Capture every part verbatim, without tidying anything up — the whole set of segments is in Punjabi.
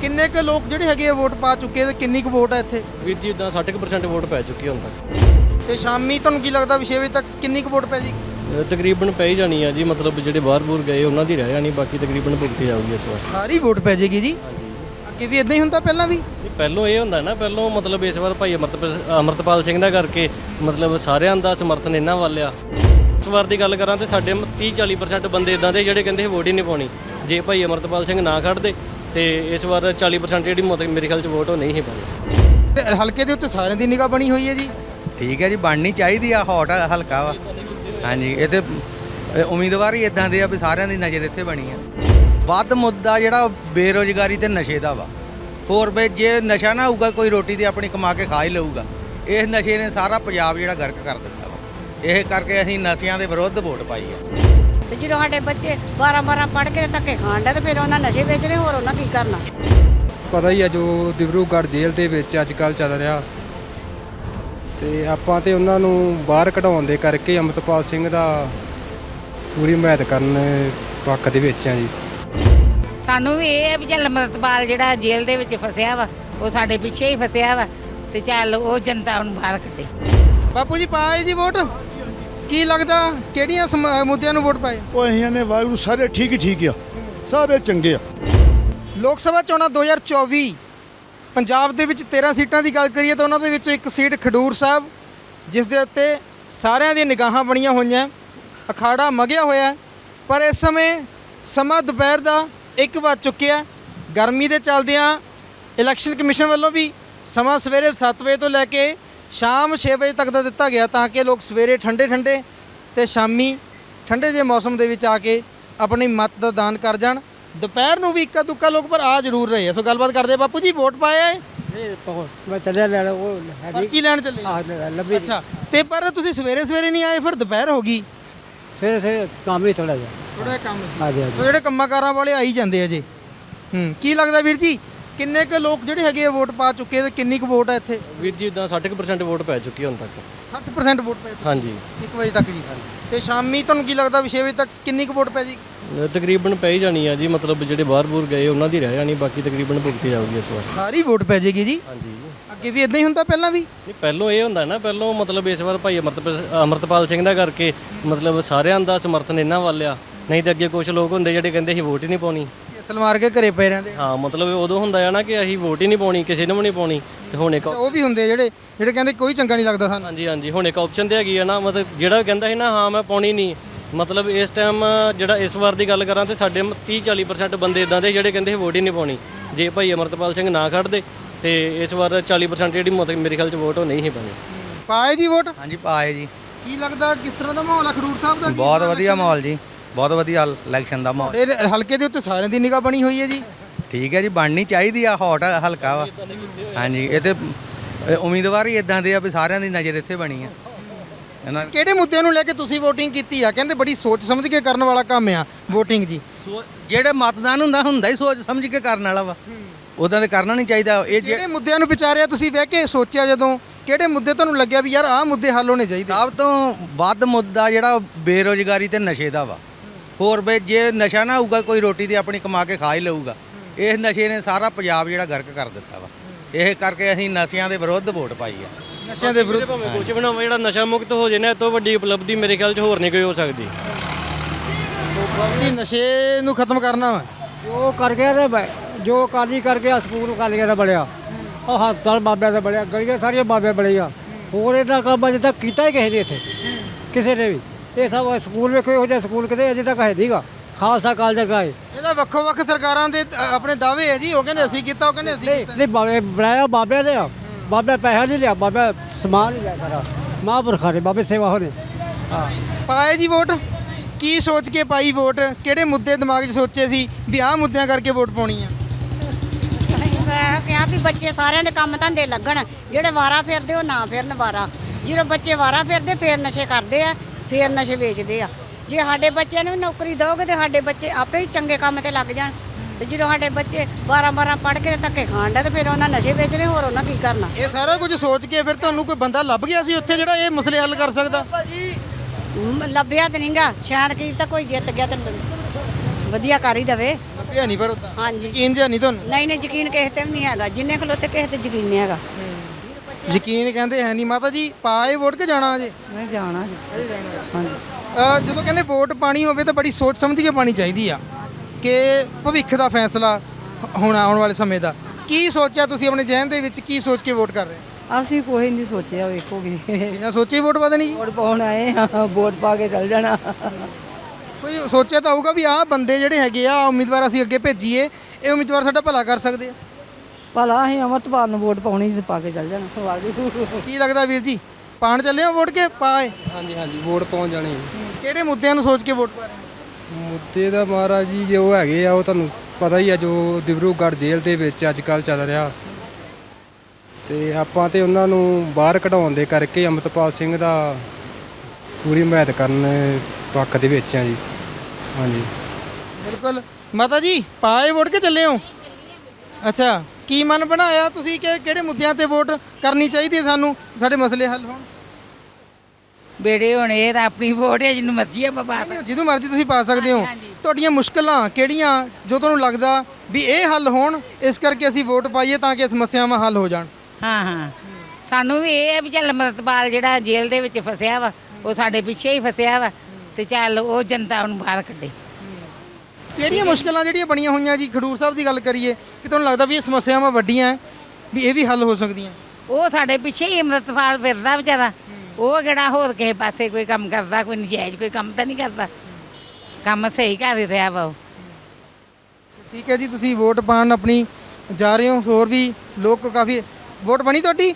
ਕਿੰਨੇ ਕੁ ਲੋਕ ਜਿਹੜੇ ਹੈਗੇ ਆ ਵੋਟ ਪਾ ਚੁੱਕੇ ਤੇ ਕਿੰਨੀ ਕੁ ਵੋਟ ਹੈ ਇੱਥੇ? ਵੀਰ ਜੀ ਇਦਾਂ ਸੱਠ ਪਰਸੈਂਟ ਵੋਟ ਪੈ ਚੁੱਕੀ ਹੁਣ ਤੱਕ। ਤੇ ਸ਼ਾਮੀ ਤੁਹਾਨੂੰ ਕੀ ਲੱਗਦਾ ਵੀ ਛੇ ਵਜੇ ਤੱਕ ਕਿੰਨੀ ਕੁ ਵੋਟ ਪੈ ਜੀ? ਅ, ਤਕਰੀਬਨ ਪੈ ਹੀ ਜਾਣੀ ਆ ਜੀ, ਮਤਲਬ ਜਿਹੜੇ ਬਾਹਰ ਬੂਰ ਗਏ ਉਹਨਾਂ ਦੀ ਰਹਿ ਜਾਣੀ, ਬਾਕੀ ਤਕਰੀਬਨ ਭੁਗਤੀ ਜਾਊਗੀ ਇਸ ਵਾਰ। ਸਾਰੀ ਵੋਟ ਪੈ ਜਾਏਗੀ ਜੀ? ਹਾਂਜੀ। ਅੱਗੇ ਵੀ ਇਦਾਂ ਹੀ ਹੁੰਦਾ ਪਹਿਲਾਂ ਵੀ? ਨਹੀਂ, ਪਹਿਲੋਂ ਇਹ ਹੁੰਦਾ ਨਾ, ਪਹਿਲੋਂ ਮਤਲਬ ਇਸ ਵਾਰ ਭਾਈ ਅਮਰਤਪਾਲ ਅਮਰਤਪਾਲ ਸਿੰਘ ਦਾ ਕਰਕੇ ਮਤਲਬ ਸਾਰਿਆਂ ਦਾ ਸਮਰਥਨ ਇਹਨਾਂ ਵੱਲ ਆ। ਇਸ ਵਾਰ ਦੀ ਗੱਲ ਕਰਾਂ ਤੇ ਸਾਡੇ ਤੀਹ ਚਾਲੀ ਪਰਸੈਂਟ ਬੰਦੇ ਇਦਾਂ ਦੇ ਜਿਹੜੇ ਕਹਿੰਦੇ ਵੋਟ ਹੀ ਨਹੀਂ ਪਾਉਣੀ। ਜੇ ਭਾਈ ਅਮਰਤਪਾਲ ਸਿੰਘ ਨਾ ਖੜਦੇ ਤੇ ਇਸ ਵਾਰ ਚਾਲੀ ਪਰਸੈਂਟ ਜਿਹੜੀ ਮਤ- ਮੇਰੇ ਖਿਆਲ 'ਚ ਵੋਟ ਉਹ ਨਹੀਂ ਹੀ ਪਾਉਣੀ। ਤੇ ਹਲਕੇ ਦੇ ਉੱਤੇ ਸਾਰਿਆਂ ਦੀ ਨਿਗਾਹ ਬਣੀ ਹੋਈ ਹੈ ਜੀ? ਠੀਕ ਹੈ ਜੀ, ਬਣਨੀ ਚਾਹੀਦੀ ਆ। ਹੌਟ ਹਲਕਾ ਵਾ। ਹਾਂਜੀ, ਇਹ ਤੇ ਇਹ ਉਮੀਦਵਾਰ ਹੀ ਇਦਾਂ ਦੇ ਆ ਵੀ ਸਾਰਿਆਂ ਦੀ ਨਜ਼ਰ ਇੱਥੇ ਬਣੀ ਆ। ਵੱਧ ਮੁੱਦਾ ਜਿਹੜਾ ਬੇਰੁਜ਼ਗਾਰੀ ਤੇ ਨਸ਼ੇ ਦਾ ਵਾ। ਹੋਰ ਵੀ ਜੇ ਨਸ਼ਾ ਨਾ ਹੋਊਗਾ ਕੋਈ ਰੋਟੀ ਤੇ ਆਪਣੀ ਕਮਾ ਕੇ ਖਾ ਹੀ ਲਊਗਾ। ਇਸ ਨਸ਼ੇ ਨੇ ਸਾਰਾ ਪੰਜਾਬ ਜਿਹੜਾ ਗਰਕ ਕਰ ਦਿੱਤਾ ਵਾ। ਇਹ ਕਰਕੇ ਅਸੀਂ ਨਸ਼ਿਆਂ ਦੇ ਵਿਰੁੱਧ ਵੋਟ ਪਾਈ ਆ। ਤੇ ਜਦੋਂ ਸਾਡੇ ਬੱਚੇ ਬਾਰਾਂ ਬਾਰਾਂ ਪੜ੍ਹ ਕੇ ਧੱਕੇ ਖਾਣ ਡੇ ਤੇ ਫਿਰ ਉਹਨਾਂ ਨਸ਼ੇ ਵੇਚਣੇ, ਹੋਰ ਉਹਨਾਂ ਕੀ ਕਰਨਾ? ਪਤਾ ਹੀ ਆ ਜੋ ਦਿਬਰੂਗੜ੍ਹ ਜੇਲ੍ਹ ਦੇ ਵਿੱਚ ਅੱਜ ਕੱਲ੍ਹ ਚੱਲ ਰਿਹਾ, ਤੇ ਆਪਾਂ ਤੇ ਉਹਨਾਂ ਨੂੰ ਬਾਹਰ ਕਢਾਉਣ ਦੇ ਕਰਕੇ ਅੰਮ੍ਰਿਤਪਾਲ ਸਿੰਘ ਦਾ ਪੂਰੀ ਹਮਾਇਤ ਕਰਨ ਪੱਖ ਦੇ ਵਿੱਚ ਆ ਜੀ। ਸਾਨੂੰ ਵੀ ਇਹ ਹੈ ਵੀ ਚੱਲ ਅੰਮ੍ਰਿਤਪਾਲ ਜਿਹੜਾ ਜੇਲ੍ਹ ਦੇ ਵਿੱਚ ਫਸਿਆ ਵਾ ਉਹ ਸਾਡੇ ਪਿੱਛੇ ਹੀ ਫਸਿਆ ਵਾ, ਤੇ ਚੱਲ ਉਹ ਜਨਤਾ ਉਹਨੂੰ ਬਾਹਰ ਕੱਢੇ। ਬਾਪੂ ਜੀ ਪਾਏ ਜੀ ਵੋਟ? ਕੀ ਲੱਗਦਾ ਕਿਹੜੀਆਂ ਸਮ- ਮੁੱਦਿਆਂ ਨੂੰ ਵੋਟ ਪਾਏ? ਉਹ ਅਸੀਂ ਨੇ ਵਾਹਿਗੁਰੂ ਸਾਰੇ ਠੀਕ ਹੀ ਠੀਕ ਆ, ਸਾਰੇ ਚੰਗੇ ਆ। ਲੋਕ ਸਭਾ ਚੋਣਾਂ ਦੋ ਹਜ਼ਾਰ ਚੌਵੀ ਪੰਜਾਬ ਦੇ ਵਿੱਚ ਤੇਰ੍ਹਾਂ ਸੀਟਾਂ ਦੀ ਗੱਲ ਕਰੀਏ ਤਾਂ ਉਹਨਾਂ ਦੇ ਵਿੱਚੋਂ ਇੱਕ ਸੀਟ ਖਡੂਰ ਸਾਹਿਬ, ਜਿਸ ਦੇ ਉੱਤੇ ਸਾਰਿਆਂ ਦੀਆਂ ਨਿਗਾਹਾਂ ਬਣੀਆਂ ਹੋਈਆਂ, ਅਖਾੜਾ ਮਗਿਆ ਹੋਇਆ। ਪਰ ਇਸ ਸਮੇਂ ਸਮਾਂ ਦੁਪਹਿਰ ਦਾ ਇੱਕ ਵੱਜ ਚੁੱਕਿਆ। ਗਰਮੀ ਦੇ ਚੱਲਦਿਆਂ ਇਲੈਕਸ਼ਨ ਕਮਿਸ਼ਨ ਵੱਲੋਂ ਵੀ ਸਮਾਂ ਸਵੇਰੇ ਸੱਤ ਵਜੇ ਤੋਂ ਲੈ ਕੇ ਸ਼ਾਮ ਛੇ ਵਜੇ ਤੱਕ ਦਾ ਦਿੱਤਾ ਗਿਆ, ਤਾਂ ਕਿ ਲੋਕ ਸਵੇਰੇ ਠੰਡੇ ਠੰਡੇ ਤੇ ਸ਼ਾਮੀ ਠੰਡੇ ਜਿਹੇ ਮੌਸਮ ਦੇ ਵਿੱਚ ਆ ਕੇ ਆਪਣੀ ਮਤ ਦਾ ਦਾਨ ਕਰ ਜਾਣ। ਦੁਪਹਿਰ ਨੂੰ ਵੀ ਇੱਕਾ ਦੁੱਕਾ ਲੋਕ ਪਰ ਆ ਜ਼ਰੂਰ ਰਹੇ ਆ। ਸੋ ਗੱਲਬਾਤ ਕਰਦੇ। ਬਾਪੂ ਜੀ ਵੋਟ ਪਾਇਆ ਹੈ? ਮੈਂ ਚੱਲਿਆ ਲੈਣ ਉਹ ਪਰਚੀ ਲੈਣ ਚੱਲੇ? ਲੱਭੀ ਅੱਛਾ, ਤੇ ਪਰ ਤੁਸੀਂ ਸਵੇਰੇ ਸਵੇਰੇ ਨਹੀਂ ਆਏ, ਫਿਰ ਦੁਪਹਿਰ ਹੋ ਗਈ। ਸਵੇਰੇ ਸਵੇਰੇ ਕੰਮ ਹੀ ਥੋੜਾ ਜਿਹਾ। ਥੋੜਾ ਕੰਮ ਸੀ। ਹਾਂਜੀ ਸੋ ਜਿਹੜੇ ਕੰਮਾਂ-ਕਾਰਾਂ ਵਾਲੇ ਆਈ ਜਾਂਦੇ ਆ ਜੀ। ਹੂੰ, ਕੀ ਲੱਗਦਾ ਵੀਰ ਜੀ ਕਿੰਨੇ ਕੁ ਲੋਕ ਜਿਹੜੇ ਹੈਗੇ ਆ ਵੋਟ ਪਾ ਚੁੱਕੇ ਤੇ ਕਿੰਨੀ ਕੁ ਵੋਟ ਹੈ ਇੱਥੇ? ਵੀਰ ਜੀ ਇਦਾਂ ਸੱਠ ਪਰਸੈਂਟ ਵੋਟ ਪੈ ਚੁੱਕੀ ਹੁਣ ਤੱਕ। ਸੱਠ ਪਰਸੈਂਟ ਵੋਟ ਪੈ ਚੁੱਕੀ ਹਾਂਜੀ। ਇੱਕ ਵਜੇ ਤੱਕ ਜੀ? ਤੇ ਸ਼ਾਮੀ ਤੁਹਾਨੂੰ ਕੀ ਲੱਗਦਾ ਵੀ ਛੇ ਵਜੇ ਤੱਕ ਕਿੰਨੀ ਕੁ ਵੋਟ ਪੈ ਜੀ? ਅ, ਤਕਰੀਬਨ ਪੈ ਹੀ ਜਾਣੀ ਆ ਜੀ, ਮਤਲਬ ਜਿਹੜੇ ਬਾਹਰ ਬੂਰ ਗਏ ਉਹਨਾਂ ਦੀ ਰਹਿ ਜਾਣੀ, ਬਾਕੀ ਤਕਰੀਬਨ ਭੁਗਤੀ ਜਾਊਗੀ ਇਸ ਵਾਰ। ਸਾਰੀ ਵੋਟ ਪੈ ਜਾਏਗੀ ਜੀ? ਹਾਂਜੀ। ਅੱਗੇ ਵੀ ਇਦਾਂ ਹੀ ਹੁੰਦਾ ਪਹਿਲਾਂ ਵੀ? ਨਹੀਂ, ਪਹਿਲੋਂ ਇਹ ਹੁੰਦਾ ਨਾ, ਪਹਿਲੋਂ ਮਤਲਬ ਇਸ ਵਾਰ ਭਾਈ ਅਮਰਤਪਾਲ ਅਮਰਤਪਾਲ ਸਿੰਘ ਦਾ ਕਰਕੇ ਮਤਲਬ ਸਾਰਿਆਂ ਦਾ ਸਮਰਥਨ ਇਹਨਾਂ ਵੱਲ ਆ। ਨਹੀਂ ਤੇ ਅੱਗੇ ਕੁਝ ਲੋਕ ਹੁੰਦੇ ਜਿਹੜੇ ਕਹਿੰਦੇ ਅਸੀਂ ਵੋਟ ਹੀ ਨਹੀਂ ਪਾਉਣੀ। ਅਸਲ ਮਾਰ ਕੇ ਘਰੇ ਪਏ ਰਹਿੰਦੇ। ਹਾਂ, ਮਤਲਬ ਉਦੋਂ ਹੁੰਦਾ ਆ ਨਾ ਕਿ ਅਸੀਂ ਵੋਟ ਹੀ ਨਹੀਂ ਪਾਉਣੀ, ਕਿਸੇ ਨੂੰ ਵੀ ਨਹੀਂ ਪਾਉਣੀ। ਤੇ ਹੁਣ ਇੱਕ ਉਹ ਵੀ ਹੁੰਦੇ ਜਿਹੜੇ ਜਿਹੜੇ ਕਹਿੰਦੇ ਕੋਈ ਚੰਗਾ ਨਹੀਂ ਲੱਗਦਾ ਸਾਨੂੰ। ਹਾਂਜੀ ਹਾਂਜੀ ਹੁਣ ਇੱਕ ਆਪਸ਼ਨ ਤੇ ਹੈਗੀ ਆ ਨਾ, ਮਤਲਬ ਜਿਹੜਾ ਕਹਿੰਦਾ ਸੀ ਨਾ ਹਾਂ ਮੈਂ ਪਾਉਣੀ ਨਹੀਂ, ਮਤਲਬ ਇਸ ਟਾਈਮ ਜਿਹੜਾ ਇਸ ਵਾਰ ਦੀ ਗੱਲ ਕਰਾਂ ਤੇ ਸਾਡੇ ਤੀਹ ਚਾਲੀ ਪਰਸੈਂਟ ਬੰਦੇ ਇਦਾਂ ਦੇ ਜਿਹੜੇ ਕਹਿੰਦੇ ਵੋਟ ਹੀ ਨਹੀਂ ਪਾਉਣੀ। ਜੇ ਭਾਈ ਅਮਰਤਪਾਲ ਸਿੰਘ ਨਾ ਖੜਦੇ ਤੇ ਇਸ ਵਾਰ ਚਾਲੀ ਪਰਸੈਂਟ ਜਿਹੜੀ ਮਤ- ਮੇਰੇ ਖਿਆਲ 'ਚ ਵੋਟ ਉਹ ਨਹੀਂ ਹੀ ਪਾਉਣੀ। ਪਾਏ ਜੀ ਵੋਟ? ਹਾਂਜੀ, ਪਾਏ ਜੀ। ਕੀ ਲੱਗਦਾ ਕਿਸ ਤਰ੍ਹਾਂ ਦਾ ਮਾਹੌਲ ਆ ਖਡੂਰ ਸਾਹਿਬ ਦਾ? ਬਹੁਤ ਵਧੀਆ ਮਾਹੌਲ ਜੀ, ਬਹੁਤ ਵਧੀਆ ਇਲੈਕਸ਼ਨ ਦਾ ਮਾਹੌਲ। ਇਹ ਹਲਕੇ ਦੇ ਉੱਤੇ ਸਾਰਿਆਂ ਦੀ ਨਿਗਾਹ ਬਣੀ ਹੋਈ ਹੈ ਜੀ? ਠੀਕ ਹੈ ਜੀ, ਬਣਨੀ ਚਾਹੀਦੀ ਆ। ਹੌਟ ਹਲਕਾ ਵਾ। ਹਾਂਜੀ, ਇਹ ਤੇ ਇਹ ਉਮੀਦਵਾਰ ਹੀ ਇਦਾਂ ਦੇ ਆ ਵੀ ਸਾਰਿਆਂ ਦੀ ਨਜ਼ਰ ਇੱਥੇ ਬਣੀ ਆ। ਇਹਨਾਂ ਕਿਹੜੇ ਮੁੱਦਿਆਂ ਨੂੰ ਲੈ ਕੇ ਤੁਸੀਂ VOTING ਕੀਤੀ ਆ? ਕਹਿੰਦੇ ਬੜੀ ਸੋਚ ਸਮਝ ਕੇ ਕਰਨ ਵਾਲਾ ਕੰਮ ਆ VOTING ਜੀ। ਸੋ ਜਿਹੜੇ ਮਤਦਾਨ ਹੁੰਦਾ ਹੁੰਦਾ ਹੀ ਸੋਚ ਸਮਝ ਕੇ ਕਰਨ ਵਾਲਾ ਵਾ। ਉਦਾਂ ਤੇ ਕਰਨਾ ਨਹੀਂ ਚਾਹੀਦਾ। ਇਹ ਜੇ ਕਿਹੜੇ ਮੁੱਦਿਆਂ ਨੂੰ ਵਿਚਾਰਿਆ ਤੁਸੀਂ, ਬਹਿ ਕੇ ਸੋਚਿਆ ਜਦੋਂ? ਕਿਹੜੇ ਮੁੱਦੇ ਤੁਹਾਨੂੰ ਲੱਗਿਆ ਵੀ ਯਾਰ ਆਹ ਮੁੱਦੇ ਹੱਲ ਹੋਣੇ ਚਾਹੀਦੇ? ਸਭ ਤੋਂ ਵੱਧ ਮੁੱਦਾ ਜਿਹੜਾ ਬੇਰੁਜ਼ਗਾਰੀ ਤੇ ਨਸ਼ੇ ਦਾ ਵਾ। ਹੋਰ ਵੀ ਜੇ ਨਸ਼ਾ ਨਾ ਹੋਊਗਾ ਕੋਈ ਰੋਟੀ ਤੇ ਆਪਣੀ ਕਮਾ ਕੇ ਖਾ ਹੀ ਲਊਗਾ। ਇਸ ਨਸ਼ੇ ਨੇ ਸਾਰਾ ਪੰਜਾਬ ਜਿਹੜਾ ਗਰਕ ਕਰ ਦਿੱਤਾ ਵਾ। ਇਹ ਕਰਕੇ ਅਸੀਂ ਨਸ਼ਿਆਂ ਦੇ ਵਿਰੁੱਧ ਵੋਟ ਪਾਈ ਆ। ਨਸ਼ਿਆਂ ਦੇ ਵਿਰੁੱਧ? ਭਾਵੇਂ ਕੁਝ ਬਣਾਵੇ, ਜਿਹੜਾ ਨਸ਼ਾ ਮੁਕਤ ਹੋ ਜੇ ਨਾ, ਇਹ ਤੋਂ ਵੱਡੀ ਉਪਲਬਧੀ ਮੇਰੇ ਖਿਆਲ 'ਚ ਹੋਰ ਨਹੀਂ ਕੋਈ ਹੋ ਸਕਦੀ। ਇਹ ਨਸ਼ੇ ਨੂੰ ਖਤਮ ਕਰਨਾ ਵਾ? ਜੋ ਕਰ ਗਿਆ ਤੇ ਬ- ਜੋ ਕਾਲੀ ਕਰ ਗਿਆ, ਸਕੂਲ ਕਰ ਗਿਆ ਤਾਂ ਬੜਿਆ, ਉਹ ਹਸਪਤਾਲ ਬਾਬਿਆਂ ਦਾ ਬੜਿਆ, ਗਲੀਆਂ ਸਾਰੀਆਂ ਬਾਬਿਆਂ ਬੜੀਆਂ। ਹੋਰ ਇਹਦਾ ਕੰਮ ਅਜੇ ਤੱਕ ਕੀਤਾ ਹੀ ਕਿਸੇ ਨੇ ਇੱਥੇ, ਕਿਸੇ ਨੇ ਵੀ। ਇਹ ਸਭ ਸਕੂਲ ਵੇਖੋ, ਇਹੋ ਜਿਹਾ ਸਕੂਲ ਕਿਤੇ ਅਜੇ ਤੱਕ ਹੈ ਨਹੀਂਗਾ। ਖਾਲਸਾ ਕਾਲਜ ਗਾਏ ਇਹਦਾ ਵੱਖੋ ਵੱਖ ਸਰਕਾਰਾਂ ਦੇ ਅ, ਆਪਣੇ ਦਾਅਵੇ ਹੈ ਜੀ। ਉਹ ਕਹਿੰਦੇ ਅਸੀਂ ਕੀਤਾ, ਉਹ ਕਹਿੰਦੇ ਅਸੀਂ ਕੀਤਾ। ਨਹੀਂ, ਬਾਬੇ ਬਣਾਇਆ ਬਾਬਿਆਂ ਨੇ ਆ। ਬਾਬੇ ਪੈਸਾ ਨਹੀਂ ਲਿਆ, ਬਾਬੇ ਸਮਾਨ ਨਹੀਂ ਲਿਆ ਸਾਰਾ। ਮਹਾਂਪੁਰਖਾਂ ਨੇ ਬਾਬੇ ਸੇਵਾ ਹੋਣੇ। ਹਾਂ, ਪਾਏ ਜੀ ਵੋਟ? ਕੀ ਸੋਚ ਕੇ ਪਾਈ ਵੋਟ? ਕਿਹੜੇ ਮੁੱਦੇ ਦਿਮਾਗ 'ਚ ਸੋਚੇ ਸੀ ਵੀ ਆਹ ਮੁੱਦਿਆਂ ਕਰਕੇ ਵੋਟ ਪਾਉਣੀ ਆ? ਮੈਂ ਕਿਹਾ ਵੀ ਬੱਚੇ ਸਾਰਿਆਂ ਦੇ ਕੰਮ ਧੰਦੇ ਲੱਗਣ, ਜਿਹੜੇ ਵਾਰਾ ਫਿਰਦੇ ਉਹ ਨਾ ਫਿਰਨ ਵਾਰਾ। ਜਦੋਂ ਬੱਚੇ ਵਾਰਾ ਫਿਰਦੇ ਫੇਰ ਨਸ਼ੇ ਕਰਦੇ ਆ, ਫੇਰ ਨਸ਼ੇ ਵੇਚਦੇ ਆ। ਜੇ ਸਾਡੇ ਬੱਚਿਆਂ ਨੂੰ ਵੀ ਨੌਕਰੀ ਦਿਓਗੇ ਤੇ ਸਾਡੇ ਬੱਚੇ ਆਪੇ ਹੀ ਚੰਗੇ ਕੰਮ ਤੇ ਲੱਗ ਜਾਣ। ਤੇ ਜਦੋਂ ਸਾਡੇ ਬੱਚੇ ਬਾਰਾਂ ਬਾਰਾਂ ਪੜ੍ਹ ਕੇ ਧੱਕੇ ਖਾਣ ਡੇ ਤੇ ਫਿਰ ਉਹਨਾਂ ਨਸ਼ੇ ਵੇਚਣੇ, ਹੋਰ ਉਹਨਾਂ ਕੀ ਕਰਨਾ? ਇਹ ਸਾਰਾ ਕੁਝ ਸੋਚ ਕੇ ਫਿਰ ਤੁਹਾਨੂੰ ਕੋਈ ਬੰਦਾ ਲੱਭ ਗਿਆ ਸੀ ਉੱਥੇ ਜਿਹੜਾ ਇਹ ਮਸਲੇ ਹੱਲ ਕਰ ਸਕਦਾ? ਮ- ਲੱਭਿਆ ਤੇ ਨਹੀਂਗਾ, ਸ਼ਾਇਦ ਕੀ ਤਾਂ ਕੋਈ ਜਿੱਤ ਗਿਆ ਤੇ ਵਧੀਆ ਕਰ ਹੀ ਦਵੇ। ਇਹ ਨਹੀਂ ਪਰ ਉਦਾਂ ਹਾਂਜੀ ਯਕੀਨ ਜਿਹਾ ਨਹੀਂ ਤੁਹਾਨੂੰ ਨਹੀਂ ਨਹੀਂ ਯਕੀਨ ਕਿਸੇ ਤੇ ਵੀ ਨਹੀਂ ਹੈਗਾ ਜਿੰਨੇ ਖਲੋਤੇ ਕਿਸੇ ਤੇ ਯਕੀਨ ਨਹੀਂ ਹੈਗਾ ਯਕੀਨ ਕਹਿੰਦੇ ਹੈ ਨਹੀਂ। ਮਾਤਾ ਜੀ ਪਾਏ ਵੋਟ ਕੇ ਜਾਣਾ ਅਜੇ ਮੈਂ ਜਾਣਾ ਜੀ ਹਾਂਜੀ ਅ, ਜਦੋਂ ਕਹਿੰਦੇ ਵੋਟ ਪਾਣੀ ਹੋਵੇ ਤਾਂ ਬੜੀ ਸੋਚ ਸਮਝ ਕੇ ਪਾਣੀ ਚਾਹੀਦੀ ਆ ਕਿ ਭਵਿੱਖ ਦਾ ਫੈਸਲਾ ਹੋਣਾ ਆਉਣ ਵਾਲੇ ਸਮੇਂ ਦਾ। ਕੀ ਸੋਚਿਆ ਤੁਸੀਂ ਆਪਣੇ ਜ਼ਿਹਨ ਦੇ ਵਿੱਚ, ਕੀ ਸੋਚ ਕੇ ਵੋਟ ਕਰ ਰਹੇ ਹੋ? ਅਸੀਂ ਕੋਈ ਨਹੀਂ ਸੋਚਿਆ ਵੇਖੋਗੇ ਬਿਨਾਂ ਸੋਚੇ ਵੋਟ ਪਾ ਦੇਣੀ ਜੀ? ਵੋਟ ਪਾਉਣ ਆਏ ਹਾਂ ਵੋਟ ਪਾ ਕੇ ਚੱਲ ਜਾਣਾ ਕੋਈ ਸੋਚਿਆ ਤਾਂ ਹੋਊਗਾ ਵੀ ਆਹ ਬੰਦੇ ਜਿਹੜੇ ਹੈਗੇ ਆ ਉਮੀਦਵਾਰ ਅਸੀਂ ਅੱਗੇ ਭੇਜੀਏ, ਇਹ ਉਮੀਦਵਾਰ ਸਾਡਾ ਭਲਾ ਕਰ ਸਕਦੇ ਆ। ਭਲਾ ਅਸੀਂ ਅਮਰਤਪਾਲ ਨੂੰ ਵੋਟ ਪਾਉਣੀ ਤੇ ਪਾ ਕੇ ਚੱਲ ਜਾਣਾ ਵਾਹਿਗੁਰੂ ਕੀ ਲੱਗਦਾ ਵੀਰ ਜੀ, ਪਾਣ ਚੱਲੇ ਹੋ ਵੋਟ ਕੇ ਪਾਏ? ਹਾਂਜੀ ਹਾਂਜੀ ਵੋਟ ਪਾਉਣ ਜਾਣੀ ਕਿਹੜੇ ਮੁੱਦਿਆਂ ਨੂੰ ਸੋਚ ਕੇ ਵੋਟ ਪਾ ਰਹੇ ਹੋ? ਮੁੱਦੇ ਦਾ ਮਹਾਰਾਜ ਜੀ ਜੋ ਹੈਗੇ ਆ ਉਹ ਤੁਹਾਨੂੰ ਪਤਾ ਹੀ ਆ, ਜੋ ਦਿਬਰੂਗੜ੍ਹ ਜੇਲ੍ਹ ਦੇ ਵਿੱਚ ਅੱਜ ਕੱਲ੍ਹ ਚੱਲ ਰਿਹਾ ਤੇ ਆਪਾਂ ਤੇ ਉਹਨਾਂ ਨੂੰ ਬਾਹਰ ਕਢਾਉਣ ਦੇ ਕਰਕੇ ਅੰਮ੍ਰਿਤਪਾਲ ਸਿੰਘ ਦਾ ਪੂਰੀ ਹਮਾਇਤ ਕਰਨ ਪੱਖ ਦੇ ਵਿੱਚ ਆ ਜੀ। ਹਾਂਜੀ ਬਿਲਕੁਲ। ਮਾਤਾ ਜੀ ਪਾਏ ਵੋਟ ਕੇ ਚੱਲੇ ਹੋ? ਅੱਛਾ, ਕੀ ਮਨ ਬਣਾਇਆ ਤੁਸੀਂ ਕਿ ਕਿਹੜੇ ਮੁੱਦਿਆਂ ਤੇ ਵੋਟ ਕਰਨੀ ਚਾਹੀਦੀ ਹੈ ਸਾਨੂੰ, ਸਾਡੇ ਮਸਲੇ ਹੱਲ ਹੋਣ? ਬੇੜੇ ਹੁਣ ਇਹ ਤਾਂ ਆਪਣੀ ਵੋਟ ਹੈ ਜਿਹਨੂੰ ਮਰਜ਼ੀ ਆਪਾਂ ਪਾ ਨਹੀਂ, ਜਦੋਂ ਮਰਜ਼ੀ ਤੁਸੀਂ ਪਾ ਸਕਦੇ ਹੋ। ਹਾਂਜੀ। ਤੁਹਾਡੀਆਂ ਮੁਸ਼ਕਲਾਂ ਕਿਹੜੀਆਂ ਜੋ ਤੁਹਾਨੂੰ ਲੱਗਦਾ ਵੀ ਇਹ ਹੱਲ ਹੋਣ, ਇਸ ਕਰਕੇ ਅਸੀਂ ਵੋਟ ਪਾਈਏ ਤਾਂ ਕਿ ਸਮੱਸਿਆਵਾਂ ਹੱਲ ਹੋ ਜਾਣ? ਹਾਂ ਹਾਂ ਸਾਨੂੰ ਵੀ ਇਹ ਹੈ ਵੀ ਚੱਲ ਅੰਮ੍ਰਿਤਪਾਲ ਜਿਹੜਾ ਜੇਲ੍ਹ ਦੇ ਵਿੱਚ ਫਸਿਆ ਵਾ ਉਹ ਸਾਡੇ ਪਿੱਛੇ ਹੀ ਫਸਿਆ ਵਾ ਤੇ ਚੱਲ ਉਹ ਜਨਤਾ ਉਹਨੂੰ ਬਾਹਰ ਕੱਢੇ। ਕਿਹੜੀਆਂ ਮੁਸ਼ਕਲਾਂ ਜਿਹੜੀਆਂ ਬਣੀਆਂ ਹੋਈਆਂ ਜੀ, ਖਡੂਰ ਸਾਹਿਬ ਦੀ ਗੱਲ ਕਰੀਏ ਕਿ ਤੁਹਾਨੂੰ ਲੱਗਦਾ ਵੀ ਇਹ ਸਮੱਸਿਆਵਾਂ ਵੱਡੀਆਂ ਹੈ, ਵੀ ਇਹ ਵੀ ਹੱਲ ਹੋ ਸਕਦੀਆਂ? ਉਹ ਸਾਡੇ ਪਿੱਛੇ ਹੀ ਅੰਮ੍ਰਿਤਪਾਲ ਫਿਰਦਾ ਵਿਚਾਰਾ, ਉਹ ਕਿਹੜਾ ਹੋਰ ਕਿਸੇ ਪਾਸੇ ਕੋਈ ਕੰਮ ਕਰਦਾ, ਕੋਈ ਨਜਾਇਜ਼ ਕੋਈ ਕੰਮ ਤਾਂ ਨਹੀਂ ਕਰਦਾ, ਕੰਮ ਸਹੀ ਕਰ ਰਿਹਾ ਵਾ ਉਹ। ਠੀਕ ਹੈ ਜੀ, ਤੁਸੀਂ ਵੋਟ ਪਾਉਣ ਆਪਣੀ ਜਾ ਰਹੇ ਹੋ, ਹੋਰ ਵੀ ਲੋਕ ਕਾਫੀ। ਵੋਟ ਬਣੀ ਤੁਹਾਡੀ?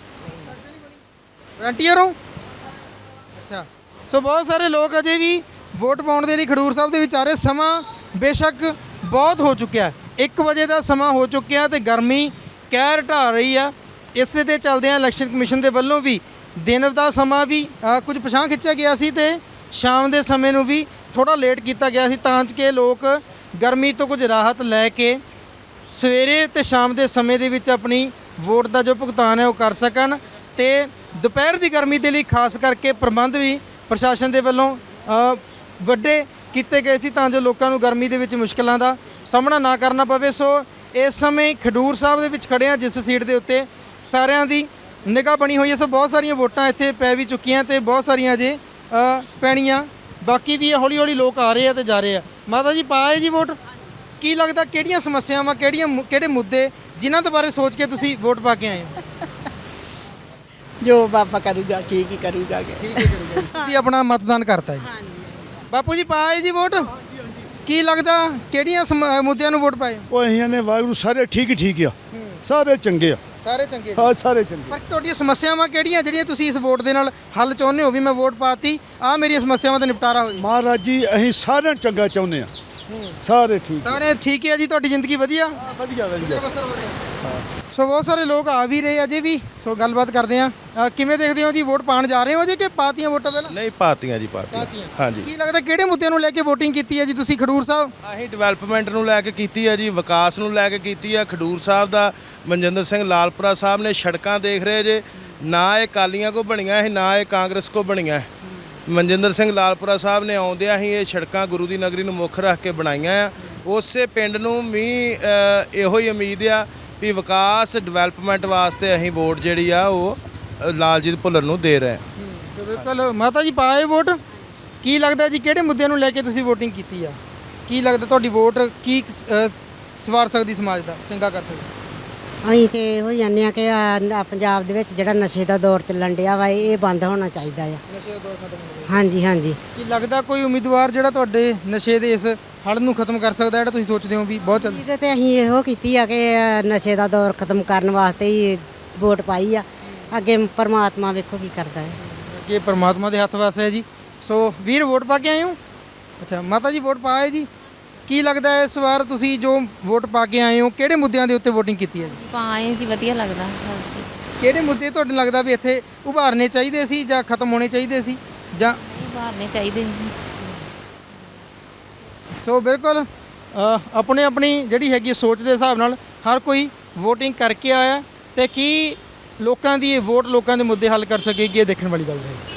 ਵਲੰਟੀਅਰ ਹੋ? ਅੱਛਾ, ਸੋ ਬਹੁਤ ਸਾਰੇ ਲੋਕ ਅਜੇ ਵੀ ਵੋਟ ਪਾਉਣ ਦੇ ਲਈ ਖਡੂਰ ਸਾਹਿਬ ਦੇ ਵਿੱਚ ਆ ਰਹੇ। ਸਮਾਂ ਬੇਸ਼ੱਕ ਬਹੁਤ ਹੋ ਚੁੱਕਿਆ, ਇੱਕ ਵਜੇ ਦਾ ਸਮਾਂ ਹੋ ਚੁੱਕਿਆ ਤੇ ਗਰਮੀ ਕਹਿਰ ਢਾ ਰਹੀ ਆ। ਇਸੇ ਦੇ ਚੱਲਦਿਆਂ ਇਲੈਕਸ਼ਨ ਕਮਿਸ਼ਨ ਦੇ ਵੱਲੋਂ ਵੀ ਦਿਨ ਦਾ ਸਮਾਂ ਵੀ ਅ, ਕੁਝ ਪਿਛਾਂਹ ਖਿੱਚਿਆ ਗਿਆ ਸੀ ਤੇ ਸ਼ਾਮ ਦੇ ਸਮੇਂ ਨੂੰ ਵੀ ਥੋੜਾ ਲੇਟ ਕੀਤਾ ਗਿਆ ਸੀ ਤਾਂ ਕਿ ਲੋਕ ਗਰਮੀ ਤੋਂ ਕੁਝ ਰਾਹਤ ਲੈ ਕੇ ਸਵੇਰੇ ਤੇ ਸ਼ਾਮ ਦੇ ਸਮੇਂ ਦੇ ਵਿੱਚ ਆਪਣੀ ਵੋਟ ਦਾ ਜੋ ਭੁਗਤਾਨ ਹੈ ਉਹ ਕਰ ਸਕਣ। ਤੇ ਦੁਪਹਿਰ ਦੀ ਗਰਮੀ ਦੇ ਲਈ ਖਾਸ ਕਰਕੇ ਪ੍ਰਬੰਧ ਵੀ ਪ੍ਰਸ਼ਾਸਨ ਦੇ ਵੱਲੋਂ ਅ, ਵੱਡੇ ਕੀਤੇ ਗਏ ਸੀ ਤਾਂ ਜੋ ਲੋਕਾਂ ਨੂੰ ਗਰਮੀ ਦੇ ਵਿੱਚ ਮੁਸ਼ਕਲਾਂ ਦਾ ਸਾਹਮਣਾ ਨਾ ਕਰਨਾ ਪਵੇ। ਸੋ ਇਸ ਸਮੇਂ ਖਡੂਰ ਸਾਹਿਬ ਦੇ ਵਿੱਚ ਖੜੇ ਹਾਂ, ਜਿਸ ਸੀਟ ਦੇ ਉੱਤੇ ਸਾਰਿਆਂ ਦੀ ਨਿਗਾਹ ਬਣੀ ਹੋਈ ਹੈ। ਸੋ ਬਹੁਤ ਸਾਰੀਆਂ ਵੋਟਾਂ ਇੱਥੇ ਪੈ ਵੀ ਚੁੱਕੀਆਂ ਤੇ ਬਹੁਤ ਸਾਰੀਆਂ ਅਜੇ ਅ, ਪੈਣੀਆਂ ਬਾਕੀ ਵੀ ਹੌਲੀ ਹੌਲੀ ਲੋਕ ਆ ਰਹੇ ਆ ਤੇ ਜਾ ਰਹੇ ਆ। ਮਾਤਾ ਜੀ ਪਾਏ ਜੀ ਵੋਟ? ਕੀ ਲੱਗਦਾ ਕਿਹੜੀਆਂ ਸਮੱਸਿਆਵਾਂ, ਕਿਹੜੀਆਂ ਮੁ- ਕਿਹੜੇ ਮੁੱਦੇ ਜਿਨ੍ਹਾਂ ਦੇ ਬਾਰੇ ਸੋਚ ਕੇ ਤੁਸੀਂ ਵੋਟ ਪਾ ਕੇ ਆਏ ਹੋ? ਜੋ ਬਾਬਾ ਕਰੂਗਾ ਠੀਕ ਹੀ ਕਰੂਗਾ ਤੁਸੀਂ ਆਪਣਾ ਮਤਦਾਨ ਕਰਤਾ ਜੀ। ਬਾਪੂ ਜੀ ਪਾਏ ਜੀ ਵੋਟ? ਕੀ ਲੱਗਦਾ ਕਿਹੜੀਆਂ ਸਮ- ਮੁੱਦਿਆਂ ਨੂੰ ਵੋਟ ਪਾਏ? ਉਹ ਅਸੀਂ ਨੇ ਵਾਹਿਗੁਰੂ ਸਾਰੇ ਠੀਕ ਹੀ ਠੀਕ ਆ, ਸਾਰੇ ਚੰਗੇ ਆ, ਸਾਰੇ ਚੰਗੇ ਜੀ। ਹਾਂ ਸਾਰੇ ਚੰਗੇ। ਪਰ ਤੁਹਾਡੀਆਂ ਸਮੱਸਿਆਵਾਂ ਕਿਹੜੀਆਂ ਜਿਹੜੀਆਂ ਤੁਸੀਂ ਇਸ ਵੋਟ ਦੇ ਨਾਲ ਹੱਲ ਚਾਹੁੰਦੇ ਹੋ ਵੀ ਮੈਂ ਵੋਟ ਪਾਤੀ ਆ ਮੇਰੀਆਂ ਸਮੱਸਿਆਵਾਂ ਦਾ ਨਿਪਟਾਰਾ ਹੋ ਜੇ? ਮਹਾਰਾਜ ਜੀ ਅਸੀਂ ਸਾਰਿਆਂ ਨੂੰ ਚੰਗਾ ਚਾਹੁੰਦੇ ਆ, ਸਾਰੇ ਠੀਕ ਸਾਰੇ ਠੀਕ ਹੈ ਜੀ, ਤੁਹਾਡੀ ਜ਼ਿੰਦਗੀ ਵਧੀਆ? ਵਧੀਆ ਵਧੀਆ। ਸੋ ਬਹੁਤ ਸਾਰੇ ਲੋਕ ਆ ਵੀ ਰਹੇ ਅਜੇ ਵੀ, ਸੋ ਗੱਲਬਾਤ ਕਰਦੇ ਆ। ਕਿਵੇਂ ਦੇਖਦੇ ਹੋ ਜੀ, ਵੋਟ ਪਾਣ ਜਾ ਰਹੇ ਹੋ ਜੀ ਕਿ ਪਾਤੀਆਂ ਵੋਟਾਂ ਪਹਿਲਾਂ? ਨਹੀਂ ਪਾਤੀਆਂ ਜੀ ਪਾਤੀਆਂ ਪਾਤੀਆਂ। ਹਾਂਜੀ। ਕੀ ਲੱਗਦਾ ਕਿਹੜੇ ਮੁੱਦਿਆਂ ਨੂੰ ਲੈ ਕੇ VOTING ਕੀਤੀ ਹੈ ਜੀ ਤੁਸੀਂ ਖਡੂਰ ਸਾਹਿਬ? ਅਸੀਂ ਡਿਵੈਲਪਮੈਂਟ ਨੂੰ ਲੈ ਕੇ ਕੀਤੀ ਹੈ ਜੀ, ਵਿਕਾਸ ਨੂੰ ਲੈ ਕੇ ਕੀਤੀ ਹੈ। ਖਡੂਰ ਸਾਹਿਬ ਦਾ ਮਨਜਿੰਦਰ ਸਿੰਘ ਲਾਲਪੁਰਾ ਸਾਹਿਬ ਨੇ ਸੜਕਾਂ ਦੇਖ ਰਹੇ ਜੇ, ਨਾ ਇਹ ਕਾਲੀਆਂ ਕੋ ਬਣੀਆਂ ਸੀ ਨਾ ਇਹ ਕਾਂਗਰਸ ਕੋ ਬਣੀਆਂ। ਮਨਜਿੰਦਰ ਸਿੰਘ ਲਾਲਪੁਰਾ ਸਾਹਿਬ ਨੇ ਆਉਂਦਿਆਂ ਹੀ ਇਹ ਸੜਕਾਂ ਗੁਰੂ ਦੀ ਨਗਰੀ ਨੂੰ ਮੁੱਖ ਰੱਖ ਕੇ ਬਣਾਈਆਂ ਆ। ਉਸੇ ਪਿੰਡ ਨੂੰ ਵੀ ਅ, ਇਹੋ ਹੀ ਉਮੀਦ ਆ ਵੀ ਵਿਕਾਸ ਡਿਵੈਲਪਮੈਂਟ ਵਾਸਤੇ ਅਸੀਂ ਵੋਟ ਜਿਹੜੀ ਆ ਉਹ ਅ, ਲਾਲਜੀਤ ਭੁੱਲਰ ਨੂੰ ਦੇ ਰਹੇ ਹਾਂ। ਬਿਲਕੁਲ। ਮਾਤਾ ਜੀ ਪਾਏ ਵੋਟ? ਕੀ ਲੱਗਦਾ ਜੀ ਕਿਹੜੇ ਮੁੱਦਿਆਂ ਨੂੰ ਲੈ ਕੇ ਤੁਸੀਂ VOTING ਕੀਤੀ ਆ? ਕੀ ਲੱਗਦਾ ਤੁਹਾਡੀ ਵੋਟ ਕੀ ਅ, ਸਵਾਰ ਸਕਦੀ ਸਮਾਜ ਦਾ, ਚੰਗਾ ਕਰ ਸਕਦੀ? ਅਸੀਂ ਤੇ ਇਹੋ ਹੀ ਜਾਂਦੇ ਆ ਕਿ ਆਹ ਪੰਜਾਬ ਦੇ ਵਿੱਚ ਜਿਹੜਾ ਨਸ਼ੇ ਦਾ ਦੌਰ ਚੱਲਣ ਡਿਆ ਵਾ ਇਹ ਬੰਦ ਹੋਣਾ ਚਾਹੀਦਾ ਆ। ਨਸ਼ੇ ਦਾ ਦੌਰ ਖਤਮ ਹੋ ਹਾਂਜੀ ਹਾਂਜੀ ਕੀ ਲੱਗਦਾ ਕੋਈ ਉਮੀਦਵਾਰ ਜਿਹੜਾ ਤੁਹਾਡੇ ਨਸ਼ੇ ਦੇ ਇਸ ਹੜ ਨੂੰ ਖਤਮ ਕਰ ਸਕਦਾ, ਜਿਹੜਾ ਤੁਸੀਂ ਸੋਚਦੇ ਹੋ ਵੀ ਬਹੁਤ ਚੱਲ? ਇਹਦੇ ਤੇ ਅਸੀਂ ਇਹੋ ਕੀਤੀ ਆ ਕਿ ਨਸ਼ੇ ਦਾ ਦੌਰ ਖਤਮ ਕਰਨ ਵਾਸਤੇ ਹੀ ਵੋਟ ਪਾਈ ਆ। ਅੱਗੇ ਪਰਮਾਤਮਾ ਵੇਖੋ ਕੀ ਕਰਦਾ ਹੈ। ਅੱਗੇ ਪਰਮਾਤਮਾ ਦੇ ਹੱਥ ਵਾਸ ਹੈ ਜੀ। ਸੋ ਵੀਰ ਵੋਟ ਪਾ ਕੇ ਆਏ ਹੋ? ਅੱਛਾ ਮਾਤਾ ਜੀ ਵੋਟ ਪਾਏ ਜੀ? ਕੀ ਲੱਗਦਾ ਹੈ ਇਸ ਵਾਰ ਤੁਸੀਂ ਜੋ ਵੋਟ ਪਾ ਕੇ ਆਏ ਹੋ ਕਿਹੜੇ ਮੁੱਦਿਆਂ ਦੇ ਉੱਤੇ VOTING ਕੀਤੀ ਹੈ ਜੀ? ਪਾਏ ਜੀ, ਵਧੀਆ ਲੱਗਦਾ ਹਾਂਜੀ। ਕਿਹੜੇ ਮੁੱਦੇ ਤੁਹਾਨੂੰ ਲੱਗਦਾ ਵੀ ਇੱਥੇ ਉਭਾਰਨੇ ਚਾਹੀਦੇ ਸੀ ਜਾਂ ਖਤਮ ਹੋਣੇ ਚਾਹੀਦੇ ਸੀ ਜਾਂ? ਨਹੀਂ ਬਾਹਰਨੇ ਚਾਹੀਦੇ ਜੀ। ਸੋ ਬਿਲਕੁਲ ਅ, ਆਪਣੇ ਆਪਣੀ ਜਿਹੜੀ ਹੈਗੀ ਸੋਚ ਦੇ ਹਿਸਾਬ ਨਾਲ ਹਰ ਕੋਈ VOTING ਕਰਕੇ ਆਇਆ ਤੇ ਕੀ ਲੋਕਾਂ ਦੀ ਇਹ ਵੋਟ ਲੋਕਾਂ ਦੇ ਮੁੱਦੇ ਹੱਲ ਕਰ ਸਕੇਗੀ, ਇਹ ਦੇਖਣ ਵਾਲੀ ਗੱਲ ਹੈ।